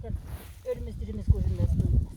zaten ölümüz dirimiz görünmez duyulmaz.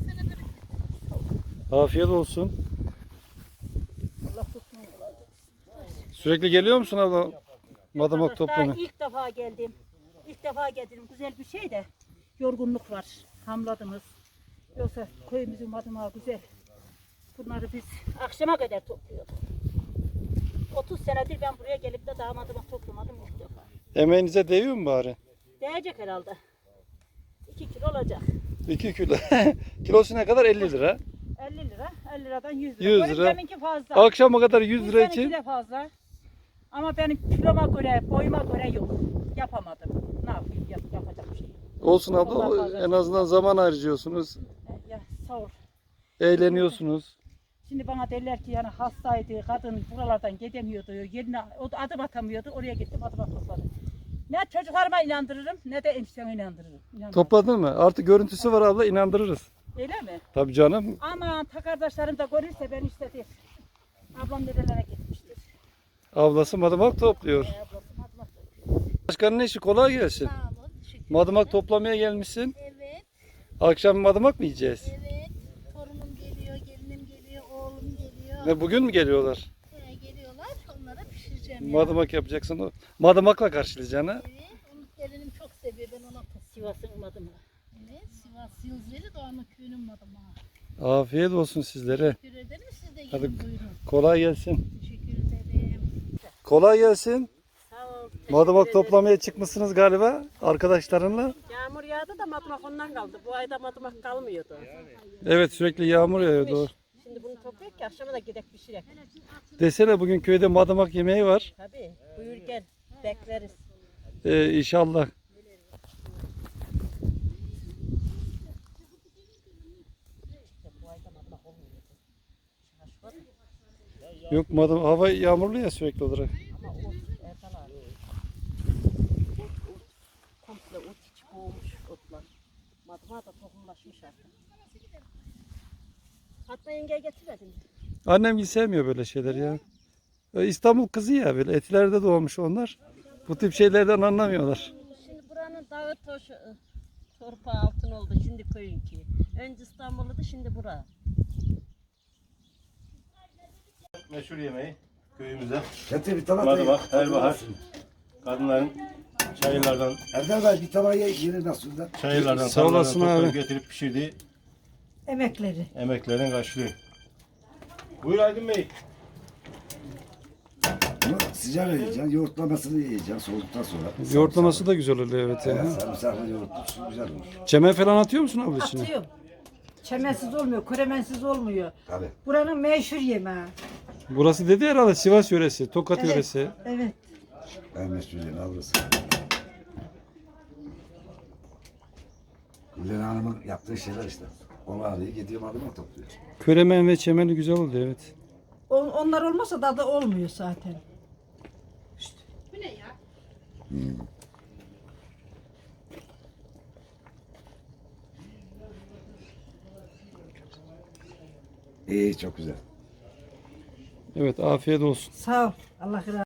Afiyet olsun. Allah tutsun. Sürekli geliyor musun abla? Madımak toplamaya. İlk defa geldim. İlk defa geldim. Güzel bir şey de yorgunluk var. Hamladınız. Yoksa köyümüzün madımağı güzel. Bunları biz akşama kadar topluyorduk. 30 senedir ben buraya gelip de daha madımak toplamadım ilk defa. Emeğinize değiyor mu bari? Değecek herhalde. 2 kilo olacak. 2 kilo. Kilosu ne kadar? 50 lira. 50 lira. 50 liradan 100 lira. 100 Benim lira. deminki fazla. Akşama kadar 100 lira Seninki için. de fazla. Ama benim kiloma göre, boyuma göre yok. Yapamadım. Ne yapayım? Yapacak bir şey yok. Olsun Allah abla. razı olsun. En azından zaman harcıyorsunuz. Ya sağ ol. Eğleniyorsunuz. Şimdi bana derler ki yani hastaydı, kadın buralardan gidemiyordu, yerine adım atamıyordu, oraya gittim adım topladım. Ne çocuklarıma inandırırım ne de enişteme inandırırım. İnanmam. Topladın mı? Artık görüntüsü var abla, inandırırız. Öyle mi? Tabii canım. Aman ta kardeşlerim de görürse ben işte der. Ablam nerelere gitmiştir. Ablası madımak topluyor. Ablası madımak topluyor. Başkanın işi kolay gelsin. Sağ olun. Teşekkür Madımak toplamaya gelmişsin. Evet, Akşam madımak mı yiyeceğiz? evet. Torunum geliyor, gelinim geliyor, oğlum geliyor. Ne bugün mü geliyorlar? Geliyorlar, onlara pişireceğim ya. Madımak yapacaksın. O madımakla karşılayacaksın ha. Evet, onu gelinim çok seviyor, ben ona Sivas'ın madımağı. Evet, Sivas Yıldızeli Doğanlı köyünün madımağı. Afiyet olsun sizlere. Teşekkür ederim, siz de Hadi. gelin buyurun. Kolay gelsin. Teşekkür ederim. Kolay gelsin. Sağ ol. Madımak toplamaya çıkmışsınız galiba arkadaşlarınla. Yağmur yağdı da madımak ondan kaldı. Bu ayda madımak kalmıyordu. Evet, sürekli yağmur yağıyor doğru. Şimdi bunu toplayıp ki akşama da gidek pişirek. Desene bugün köyde madımak yemeği var. Tabii. Buyur gel. Bekleriz. İnşallah. Yok madım hava yağmurlu ya sürekli olarak. Ama ot Erdal abi. Komple ot içi boğmuş otlar. Madımağa da tohumlaşmış artık. Fatma yengeye getirmedin mi? Annem hiç sevmiyor böyle şeyler ya. İstanbul kızı ya, böyle etilerde doğmuş onlar. Bu tip şeylerden anlamıyorlar. Şimdi buranın dağı toşu, torpağı altın oldu. Şimdi köyünki. Önce İstanbul'du şimdi bura. Meşhur yemeği köyümüzde. Getir bir tabak. Madımak, her bahar. Kadınların çayırlardan, Erdal Bey bir tabağı yenir nasıl da? çayırlardan, Sağ olasın tarlalardan abi. toplayıp getirip pişirdiği Emekleri. emeklerin karşılığı. Buyur Aydın Bey. Bunu sıcak yiyeceksin, yoğurtlamasını yiyeceksin soğuduktan sonra. Yoğurtlaması da güzel oluyor evet. Evet, Ya. sarımsaklı yoğurtlu güzel olur. Çemen falan atıyor musun abla içine? Atıyorum. Çemensiz olmuyor, koremensiz olmuyor. Tabii. Buranın meşhur yemeği. Burası dedi herhalde Sivas yöresi, Tokat yöresi. Evet. En meşhur yemeği burası. Gülden Hanım'ın yaptığı şeyler işte. Onu alıyor, gidiyor madımak topluyor. Köremen ve çemeni güzel oldu evet. Onlar olmasa tadı olmuyor zaten. İyi, çok güzel. Evet, afiyet olsun. Sağ ol. Allah razı olsun.